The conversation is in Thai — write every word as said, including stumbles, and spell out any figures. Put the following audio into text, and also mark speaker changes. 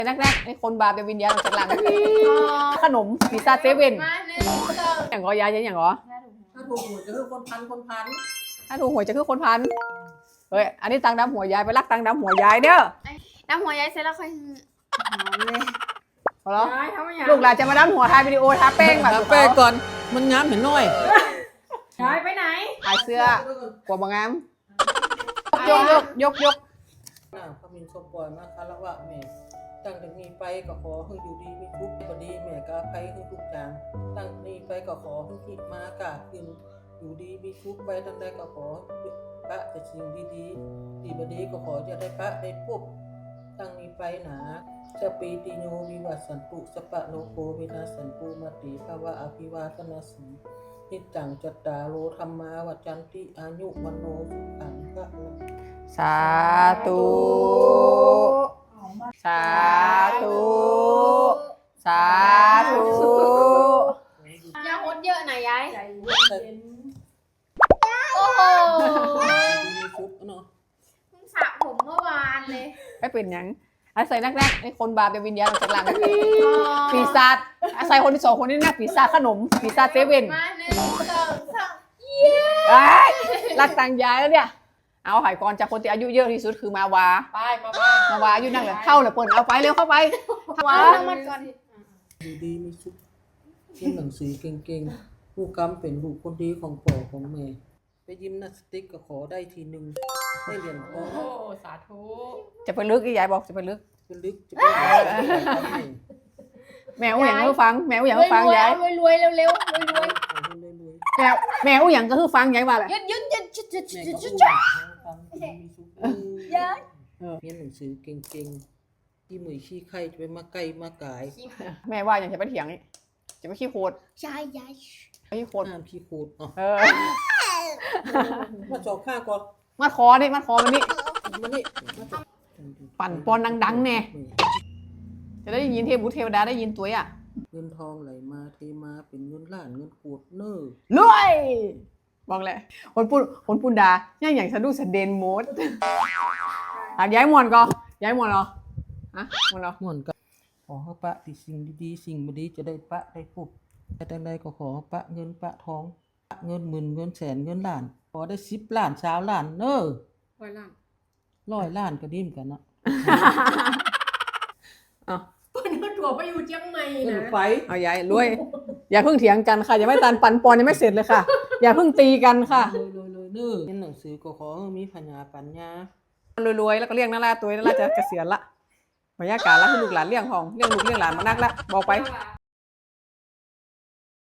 Speaker 1: นักแรกไอ้คนบาปเป็นวิญญาณออกจากหลังขนมพิซซ่าเซเว่นอย่างกอยายใช่อย่างกอ
Speaker 2: ถ้าถูกหวยจะคือคนพันคนพัน
Speaker 1: ถ้าถูกหวยจะคือคนพันเฮ้ยอันนี้ตังดำหัวยายไปรักตังดำหัวยายเด้อ
Speaker 3: ดำหัวยายเสร็จแล้วค่อยหอมเลย
Speaker 1: พอแล้วลูกหลานจะมาดำหัวทายวิดีโอทาแป้งแบบ
Speaker 2: ทาแป้งก่อนมันงามเห็นน้อย
Speaker 3: ยายไปไหน
Speaker 1: ขายเสื้อกลัวบางงามยกยกยกยก
Speaker 2: น่าพมินสมปล่อยมาคารวะแม่ตั้งแต่นี้ไปก็ขอให้อยู่ดีมีทุกข์พอดีแม่ก็อภัยให้ทุกอย่างตั้งนี้ไปก็ขอให้คิดมากาขึ้นอยู่ดีมีทุกข์ไปทั้งใดก็ขอพระแต่สิ่งดีๆดีบดีก็ขอจะได้พระได้ปุ๊บตั้งนี้ไปหนาสปีติโยวิวัสสันตุสปะโลโกวินาสันตุมาติภาวะอภิวาทนาสีนิจังจัตตาโลธรรมาวัจันติอายุมโนสุขังพระ
Speaker 1: สาธุสาธุสาธุ
Speaker 3: ยาหดเยอะหน่อยยายโอ้โหสระผมเมื่อวานเลย
Speaker 1: ไม่เป็นยังอาศัยนักแรกไอ้คนบาปเป็นวิญญาณออกจากหลังปีศาจอาศัยคนที่สองคนนี้นะปีศาจขนมปีศาจเซเว่น
Speaker 3: มาหนึ่งสองสาม
Speaker 1: เย้รักตังยายแล้วเนี่ยเอาหายก่อนจากคนที่อายุเยอะที่สุดคือมาวา
Speaker 3: ไปมาบ้าน
Speaker 1: มาวาอายุนั่งเลยเข้าเลยเปิดเอาไปเร็วเข้าไป
Speaker 3: วานั่งมันก่อน
Speaker 2: ดีดีมีสุขเรียนหนังสือเก่งๆผู้กำเป็นลูกคนดีของพ่อของแม่ไปยิมนาสติกก็ขอได้ทีหนึ่งได้เหรียญทอง
Speaker 3: โอ้สาธุ
Speaker 1: จะไปลึกยายบอกจะไปลึก
Speaker 2: จะลึกจะไป
Speaker 1: แมวอย่างก็ฟังแมวอย่างก็ฟังยาย
Speaker 3: รวยรวยเร็วเร็วรวยรวย
Speaker 1: แมวแมวอย่างก็คือฟังยายว่าแหละ
Speaker 3: ยึดยึดยึดยึดยึดยึดยึด
Speaker 2: ยายเรียนหนังสือเก่งๆที่มือขี้ไข่จะไปมาไก่มากาย
Speaker 1: แม่ว่าอย่างจะไปเถียงนี่จะไปขี้โคตร
Speaker 3: ยายยาย
Speaker 1: ขี้โคตร
Speaker 2: ห้ามขี้โคตร
Speaker 1: เออ
Speaker 2: มาจอกข้าก่อน
Speaker 1: มาคอนี่มาคอมันนี่
Speaker 2: มันนี่
Speaker 1: ปั่นปอนดังๆแน่จะได้ยินเทพบุตรเทวดาได้ยินตัวอ่ะ
Speaker 2: เงินทองไหลมาเทมาเป็นเงินล้านเงินโกดเน้อ
Speaker 1: รวยบอกเลยคนพูดคนพูดดาย่างอย่างสะดุ้งสะเดนโมดหากย้ายมวนก็ย้ายมวนเหรอฮะมวนเหรอ
Speaker 2: มวนก็ขอให้ปะที่สิ่งดีๆสิ่งดีจะได้ปะได้ปุ๊บแต่ใดๆก็ขอปะเงินปะทองปะเงินหมื่นเงินแสนเงินล้านขอได้สิบล้านสาวล้านเน้อ
Speaker 3: ร้อยล้าน
Speaker 2: ร้อยล้านก็ดิ้มกันนะ
Speaker 1: อ๋อ
Speaker 3: เปิ้ลก็ถั่วไปอยู่เชียงใหม่นะ
Speaker 2: ไป
Speaker 1: เอายายรวยอย่าเพิ่งเถียงกันค่ะอย่าไม่ตันปันปอนยังไม่เสร็จเลยค่ะอย่าเพิ่งตีกันค่ะ
Speaker 2: เลยเลยเลยเน้อเรียนหนังสือก็ขอมีปัญญาปัญญ
Speaker 1: ารวยๆแล้วก็เลี้ยงนาราตัวนาราจะเกษียณละบรรยากาศละคือลูกหลานเลี้ยงของเลี้ยงลูกเลี้ยงหลานมานักละบอกไป